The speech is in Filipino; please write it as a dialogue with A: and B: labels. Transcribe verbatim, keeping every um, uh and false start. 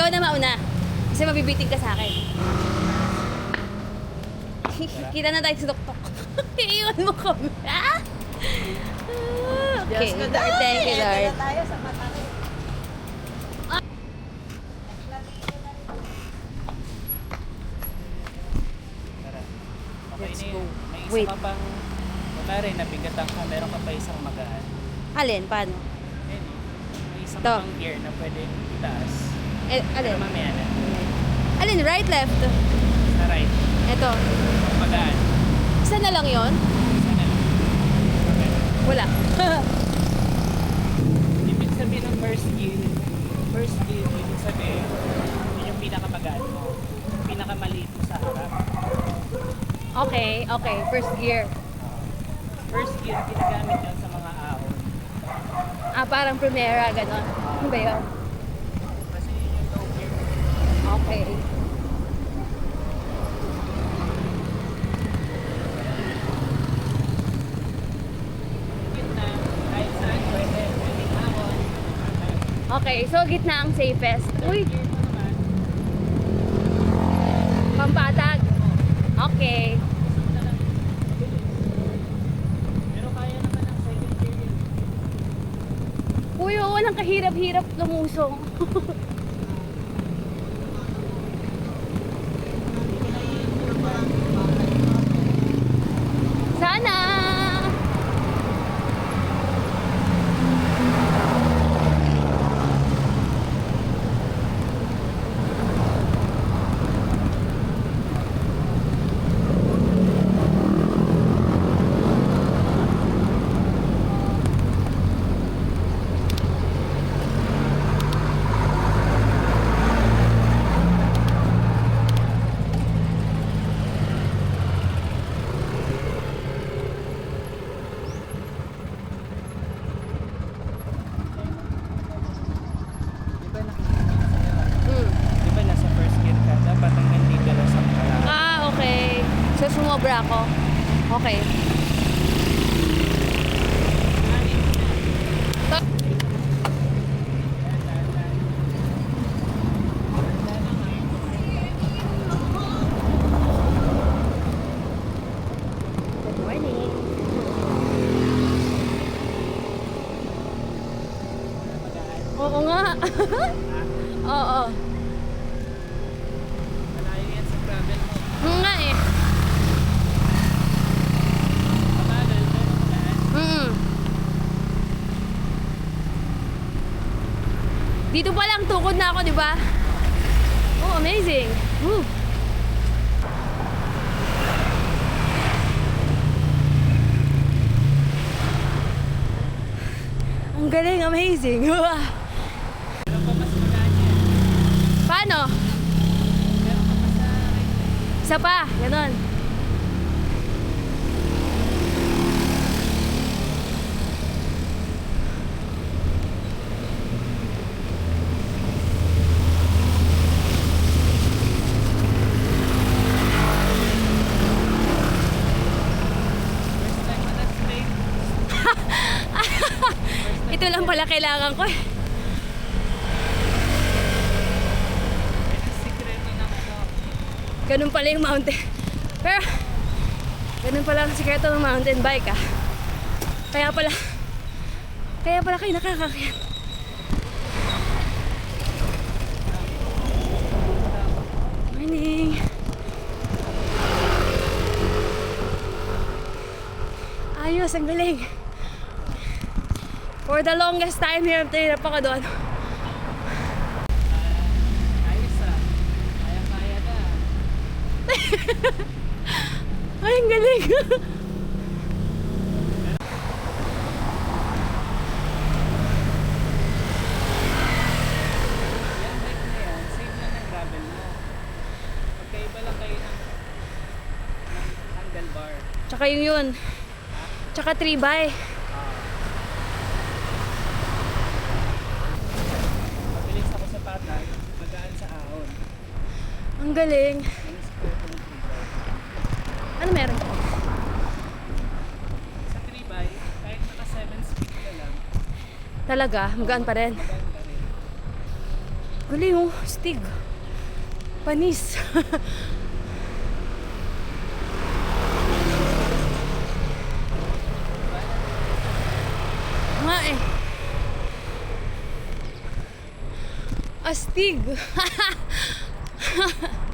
A: Ikaw na mauna. Kasi mabibiting ka sa akin. Kita na tayo sa tuktok. Iiwan mo kami. Ah? Okay.
B: Diyos ko,
A: Lord, thank you,
B: Eto
A: Lord.
B: na tayo sa Matare.
C: Tara. Okay
A: Let's
C: na
A: go.
C: yun. May isa
A: Wait.
C: ka pang, wala rin, nabigatan ka, meron ka pa isang magaan.
A: Alin? Paano?
C: Ayun eh. May isang
A: Ito.
C: pang gear na pwede itaas.
A: Eh,
C: Pero
A: alin?
C: mamaya na.
A: Alin? Right, left?
C: Sa right.
A: Ito.
C: Magaan.
A: Isa na lang yon?
C: Isa na lang. Okay.
A: Wala.
C: Ibig sabihin ng first gear, first gear, ibig sabihin, yun yung pinakamagaan mo. Pinakamaliit mo sa harap.
A: Okay, okay. First gear.
C: First gear, ginagamit yan sa mga ahon.
A: Ah, parang Primera, ganon. Ano ba yun?
C: Kasi yun yung low gear.
A: Okay.
C: Gitna, kahit saan pwede, pwedeng ahon.
A: Okay, so gitna ang safest. Uy,
C: Gear mo naman,
A: pampatag. Okay.
C: pero kaya naman ang second gear yun.
A: Uy, oh, walang kahirap-hirap lumusong. Sana!
C: Di ba nakikita sa'yo?
A: Hmm.
C: Di ba nasa first gear ka? Dapat ang hindi ka lang sa pala.
A: Ah, okay. So, sumobra ako. Okay. Ta- Good morning. Oo nga. Oo.
C: Malayo yan sa gravel mo.
A: Oo nga eh.
C: Mabagal, pero magaan.
A: Mm. Dito pa lang tukod na ako, di ba? Oh, amazing. Woo. Ang galing, amazing.
C: Pero pa mas magaan yan.
A: Paano?
C: Pero pa pa sa right.
A: Isa pa, ganon.
C: First time mo na straight.
A: Ito lang pala kailangan ko eh.
C: Yan ang sikreto ng ano.
A: Ganun pala yung mountain. Pero, ganun pala ang sikreto ng mountain bike ah. Kaya pala, kaya pala kayo nakakakyan. Morning. Ayos, ang galing. For the longest time, hirap na hirap ako doon.
C: Ayos ah. Kaya-kaya na.
A: Ay, ang galing.
C: Yan bike na yan, same lang ng gravel mo. Magkaiba lang kayo ng, ng handlebar.
A: Tsaka yung yun. Tsaka three by.
C: Mabilis ako sa patag, magaan sa ahon.
A: Ang galing.
C: Yung square ko ng three by.
A: Ano meron?
C: Sa three by, kahit naka seven speed ka lang,
A: Talaga, magaan pa rin.
C: magaan pa rin.
A: Galing oh, stig. Panis. Nga eh. Astig.